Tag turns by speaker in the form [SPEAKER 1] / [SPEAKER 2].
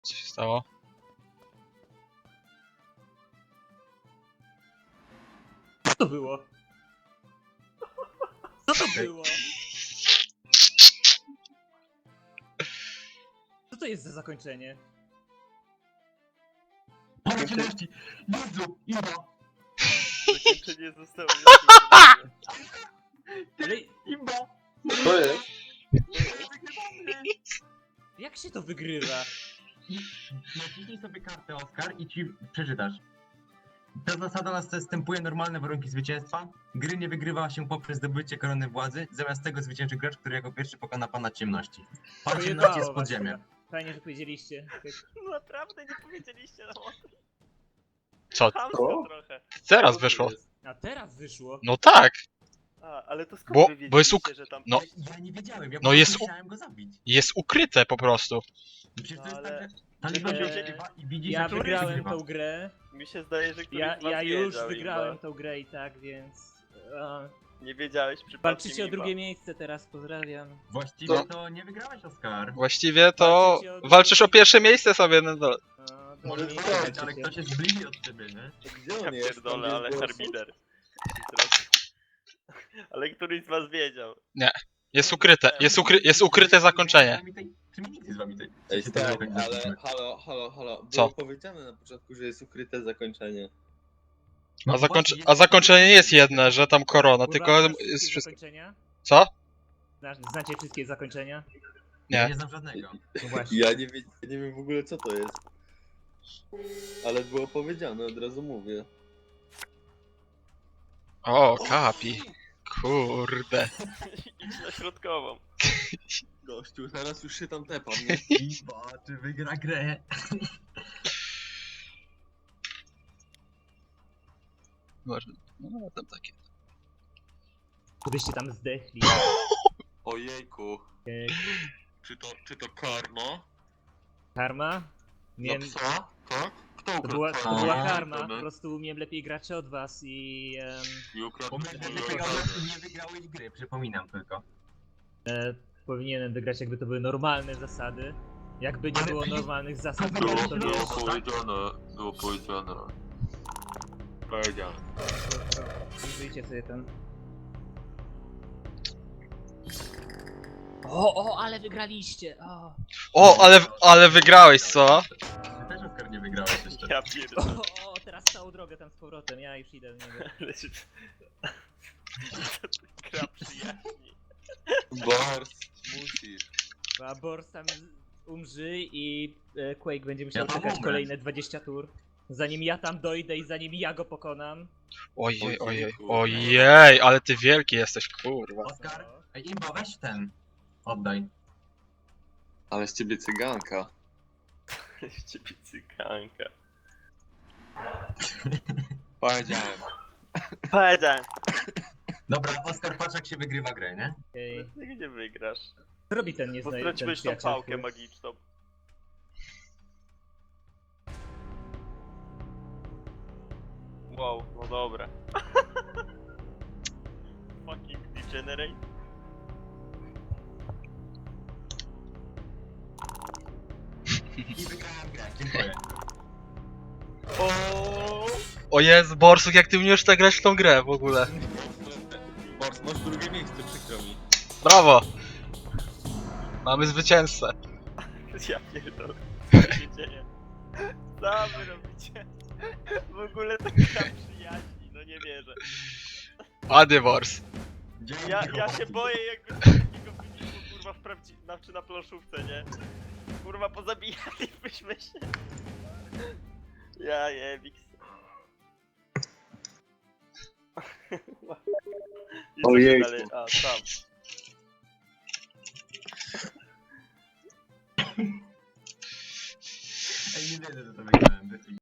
[SPEAKER 1] Co się stało?
[SPEAKER 2] Co to było? Co to było? Co to jest za zakończenie?
[SPEAKER 3] Pora ciemności! Jezu! Imba!
[SPEAKER 4] Zakończenie zostało jeszcze.
[SPEAKER 2] Ale
[SPEAKER 3] Imba!
[SPEAKER 5] To jest?
[SPEAKER 2] jak się to wygrywa?
[SPEAKER 3] Naciśnij sobie kartę, Oskar, i ci przeczytasz. Ta zasada następuje normalne warunki zwycięstwa. Gry nie wygrywa się poprzez zdobycie korony władzy. Zamiast tego zwycięży gracz, który jako pierwszy pokona pana ciemności. Pan ciemności jest
[SPEAKER 2] was
[SPEAKER 3] podziemiem.
[SPEAKER 2] chyba. Fajnie, że powiedzieliście.
[SPEAKER 4] Naprawdę nie powiedzieliście nam o tym.
[SPEAKER 1] Co?
[SPEAKER 4] Chamsko trochę.
[SPEAKER 1] Teraz wyszło.
[SPEAKER 2] A teraz wyszło.
[SPEAKER 1] No tak!
[SPEAKER 4] A, ale to skąd
[SPEAKER 1] Bo-
[SPEAKER 4] wy
[SPEAKER 1] bo jest
[SPEAKER 4] wiedzieliście, że tam...
[SPEAKER 1] No.
[SPEAKER 3] Ja nie wiedziałem, ja
[SPEAKER 1] No
[SPEAKER 3] po
[SPEAKER 1] jest
[SPEAKER 3] prostu
[SPEAKER 1] u-
[SPEAKER 3] chciałem go zabić.
[SPEAKER 1] Jest ukryte po prostu.
[SPEAKER 3] Przecież to jest
[SPEAKER 4] Ale-
[SPEAKER 3] tak, że ta liczba się
[SPEAKER 2] Eee,
[SPEAKER 3] wygrywa i widzisz,
[SPEAKER 2] Ja
[SPEAKER 3] jak który
[SPEAKER 2] wygrałem
[SPEAKER 3] wygrywa.
[SPEAKER 2] tą grę.
[SPEAKER 4] Mi się zdaje, że któryś z was
[SPEAKER 2] Ja już
[SPEAKER 4] wiedział,
[SPEAKER 2] wygrałem
[SPEAKER 4] Imba.
[SPEAKER 2] tą grę i tak, więc...
[SPEAKER 4] Nie wiedziałeś przypadkiem,
[SPEAKER 2] Walczycie o
[SPEAKER 4] Imba.
[SPEAKER 2] drugie miejsce teraz, pozdrawiam.
[SPEAKER 3] Właściwie
[SPEAKER 1] To-
[SPEAKER 3] to nie wygrałeś, Oskar.
[SPEAKER 1] Właściwie to
[SPEAKER 2] Walczycie o-
[SPEAKER 1] walczysz o pierwsze miejsce sobie na dole.
[SPEAKER 3] Możesz
[SPEAKER 2] drugie
[SPEAKER 3] wygrać,
[SPEAKER 2] miejsce
[SPEAKER 3] ale
[SPEAKER 2] walczycie.
[SPEAKER 3] ktoś jest bliżej od ciebie, nie?
[SPEAKER 5] Gdzie
[SPEAKER 4] Ja
[SPEAKER 5] on jest?
[SPEAKER 4] pierdolę,
[SPEAKER 5] Tam,
[SPEAKER 4] ale
[SPEAKER 5] gdzie jest
[SPEAKER 4] harbider. Ale któryś z was wiedział.
[SPEAKER 1] Jest ukryte zakończenie.
[SPEAKER 3] Czy mi nikt z wami tutaj...
[SPEAKER 5] Ej,
[SPEAKER 3] się
[SPEAKER 5] stop,
[SPEAKER 3] tak
[SPEAKER 5] ale
[SPEAKER 3] zaczynamy?
[SPEAKER 5] halo. Było
[SPEAKER 1] Co?
[SPEAKER 5] powiedziane na początku, że jest ukryte zakończenie.
[SPEAKER 3] No
[SPEAKER 1] A,
[SPEAKER 3] właśnie, jest-
[SPEAKER 1] zakończenie nie jest jedne, że tam korona,
[SPEAKER 2] Kurwa,
[SPEAKER 1] tylko
[SPEAKER 2] znasz
[SPEAKER 1] jest
[SPEAKER 2] wszystkie
[SPEAKER 1] wszystko.
[SPEAKER 2] zakończenia?
[SPEAKER 1] Co?
[SPEAKER 2] Znacie wszystkie zakończenia?
[SPEAKER 3] Ja
[SPEAKER 1] Nie.
[SPEAKER 3] nie znam żadnego.
[SPEAKER 2] No właśnie.
[SPEAKER 5] Ja nie wiem w ogóle co to jest. Ale było powiedziane, od razu mówię.
[SPEAKER 1] O, kapi. Kurde.
[SPEAKER 4] Idź na środkową.
[SPEAKER 5] Gościu, teraz już się tam tepam, nie?
[SPEAKER 3] Imba, czy wygra grę?
[SPEAKER 1] Może. No tam takie.
[SPEAKER 2] Byście tam zdechli.
[SPEAKER 5] Ojejku.
[SPEAKER 2] Ej,
[SPEAKER 5] Czy to karma?
[SPEAKER 2] Karma? Nie,
[SPEAKER 5] psa? Tak? Kto
[SPEAKER 2] to była
[SPEAKER 3] A,
[SPEAKER 2] karma. Po prostu umiem lepiej gracze od was i
[SPEAKER 5] I ukradł
[SPEAKER 3] Nie wygrałeś gry, przypominam tylko.
[SPEAKER 2] powinienem wygrać, jakby to były normalne zasady. Jakby nie
[SPEAKER 3] Ale
[SPEAKER 2] było
[SPEAKER 3] przecież-
[SPEAKER 2] normalnych zasad,
[SPEAKER 3] Było-
[SPEAKER 2] to
[SPEAKER 3] było
[SPEAKER 2] wiesz.
[SPEAKER 5] Było powiedziane. Powiedziane.
[SPEAKER 2] Wyjdzie sobie ten. O, ale wygraliście!
[SPEAKER 1] Ale wygrałeś, co?
[SPEAKER 3] Ty też, Oskar, nie wygrałeś jeszcze.
[SPEAKER 4] Ja pierdolę.
[SPEAKER 2] Teraz całą drogę tam z powrotem, ja już idę w niego.
[SPEAKER 4] Ale się... Gra przyjaźni.
[SPEAKER 5] Bars, musisz.
[SPEAKER 2] A Bors tam umrzy i Quake będzie musiał
[SPEAKER 3] Ja tam
[SPEAKER 2] czekać
[SPEAKER 3] umrę.
[SPEAKER 2] kolejne 20 tur. Zanim ja tam dojdę i zanim ja go pokonam.
[SPEAKER 1] Ojej, ale ty wielki jesteś, kurwa.
[SPEAKER 3] Oskar, ej, Imba, weź ten. Oddaj.
[SPEAKER 5] Ale z ciebie cyganka.
[SPEAKER 4] Z ciebie cyganka.
[SPEAKER 5] Powiedziałem.
[SPEAKER 4] Powiedziałem.
[SPEAKER 3] Dobra, Oskar, patrz jak się wygrywa grę, nie?
[SPEAKER 2] Ej,
[SPEAKER 4] Ty gdzie wygrasz?
[SPEAKER 2] co robi ten
[SPEAKER 4] Bo
[SPEAKER 2] nieznajomy
[SPEAKER 4] straciłeś tą pałkę magiczną. Wow, no dobra. Fucking degenerate.
[SPEAKER 3] I wygrałem grę, dziękuję.
[SPEAKER 1] O Jezu, Borsuk, jak ty umiesz tak grać w tą grę w ogóle.
[SPEAKER 5] Bars, masz drugie miejsce, przykro mi.
[SPEAKER 1] Brawo! Mamy zwycięzcę.
[SPEAKER 4] Ja pierdolę. Co się dzieje? Co wy robicie? W ogóle to gra przyjaźni, no nie wierzę.
[SPEAKER 1] Ładnie, Bors.
[SPEAKER 3] Dzięki,
[SPEAKER 4] Ja
[SPEAKER 3] chłopaki.
[SPEAKER 4] się boję jakby takiego wyniku kurwa czy na planszówce, nie? Kurwa pozabijalibyśmy się. Ja jebik.
[SPEAKER 5] Ojejku.
[SPEAKER 4] Dalej, a tam.
[SPEAKER 3] Ej, nie wierzę, że to wygrałem.